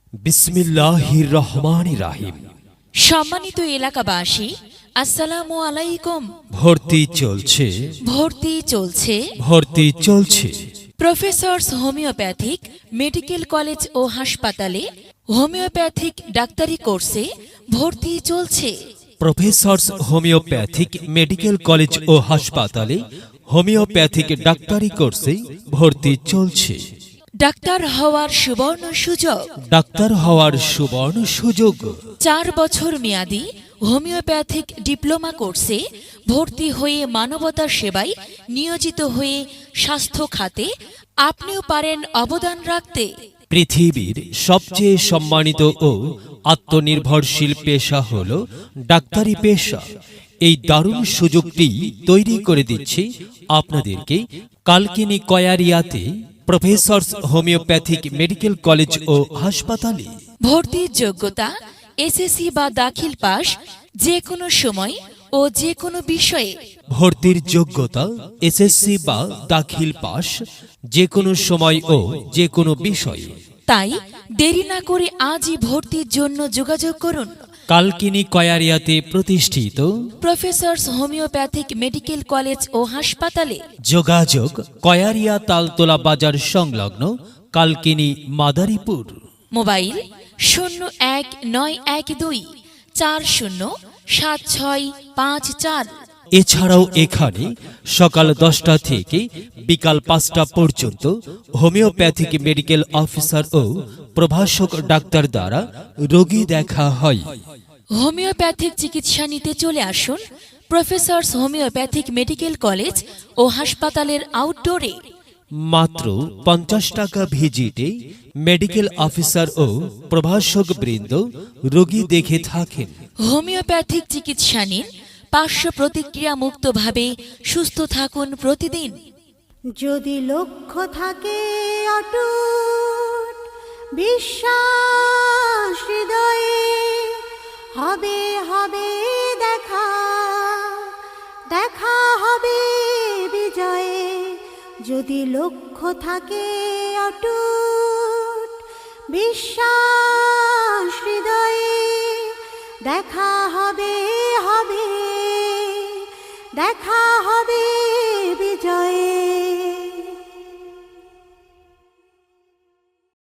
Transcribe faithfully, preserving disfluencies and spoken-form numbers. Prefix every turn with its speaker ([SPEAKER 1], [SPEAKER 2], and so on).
[SPEAKER 1] বিসমিল্লাহির রহমানির রহিম।
[SPEAKER 2] সম্মানিত এলাকাবাসী, আসসালামু আলাইকুম।
[SPEAKER 1] ভর্তি চলছে,
[SPEAKER 2] ভর্তি চলছে
[SPEAKER 1] ভর্তি চলছে।
[SPEAKER 2] প্রফেসরস হোমিওপ্যাথিক মেডিকেল কলেজ ও হাসপাতালে হোমিওপ্যাথিক ডাক্তারি কোর্সে ভর্তি চলছে।
[SPEAKER 1] প্রফেসরস হোমিওপ্যাথিক মেডিকেল কলেজ ও হাসপাতালে হোমিওপ্যাথিক ডাক্তারি কোর্সে ভর্তি চলছে।
[SPEAKER 2] ডাক্তার হওয়ার সুবর্ণ সুযোগ।
[SPEAKER 1] ডাক্তার হওয়ার সুবর্ণ সুযোগ।
[SPEAKER 2] চার বছর মেয়াদী হোমিওপ্যাথিক ডিপ্লোমা কোর্সে ভর্তি হয়ে মানবতার সেবায় নিয়োজিত হয়ে স্বাস্থ্য খাতে আপনিও পারেন অবদান রাখতে।
[SPEAKER 1] পৃথিবীর সবচেয়ে সম্মানিত ও আত্মনির্ভরশীল পেশা হল ডাক্তারি পেশা। এই দারুণ সুযোগটি তৈরি করে দিচ্ছে আপনাদেরকে কালকিনি কয়ারিয়াতে প্রফেসরস হোমিওপ্যাথিক মেডিকেল কলেজ ও হাসপাতালে।
[SPEAKER 2] ভর্তির যোগ্যতা এসএসসি বা দাখিল পাস, যে কোনো সময় ও যে কোনো বিষয়ে।
[SPEAKER 1] ভর্তির যোগ্যতা এসএসসি বা দাখিল পাস, যে কোনো সময় ও যে কোনো বিষয়ে।
[SPEAKER 2] তাই দেরি না করে আজই ভর্তির জন্য যোগাযোগ করুন
[SPEAKER 1] কালকিনি কয়ারিয়াতে প্রতিষ্ঠিত
[SPEAKER 2] প্রফেসরস হোমিওপ্যাথিক মেডিকেল কলেজ ও হাসপাতালে।
[SPEAKER 1] যোগাযোগ কয়ারিয়া তালতলা বাজার সংলগ্ন কালকিনি মাদারীপুর।
[SPEAKER 2] মোবাইল শূন্য এক নয় এক দুই চার শূন্য সাত ছয় পাঁচ চার।
[SPEAKER 1] এছাড়াও এখানে সকাল দশটা থেকে বিকাল পাঁচটা পর্যন্ত হোমিওপ্যাথিক মেডিকেল অফিসার ও প্রভাষক ডাক্তার দ্বারা রোগী দেখা হয়।
[SPEAKER 2] হোমিওপ্যাথিক চিকিৎসা নিতে চলে আসুন প্রফেসরস হোমিওপ্যাথিক মেডিকেল কলেজ ও হাসপাতালের আউটডোরে।
[SPEAKER 1] মাত্র পঞ্চাশ টাকা ভিজিটে মেডিকেল অফিসার ও প্রভাষক বৃন্দ রোগী দেখে থাকেন।
[SPEAKER 2] হোমিওপ্যাথিক চিকিৎসা নিন, পার্শ্ব প্রতিক্রিয়া মুক্তভাবে সুস্থ থাকুন প্রতিদিন।
[SPEAKER 3] যদি লক্ষ্য থাকে অটুট বিশ্বাস হৃদয়ে, হবে হবে দেখা, দেখা হবে বিজয়ে। যদি লক্ষ্য থাকে অটুট বিশ্বাস হৃদয়ে, দেখা হবে হবে, দেখা হবে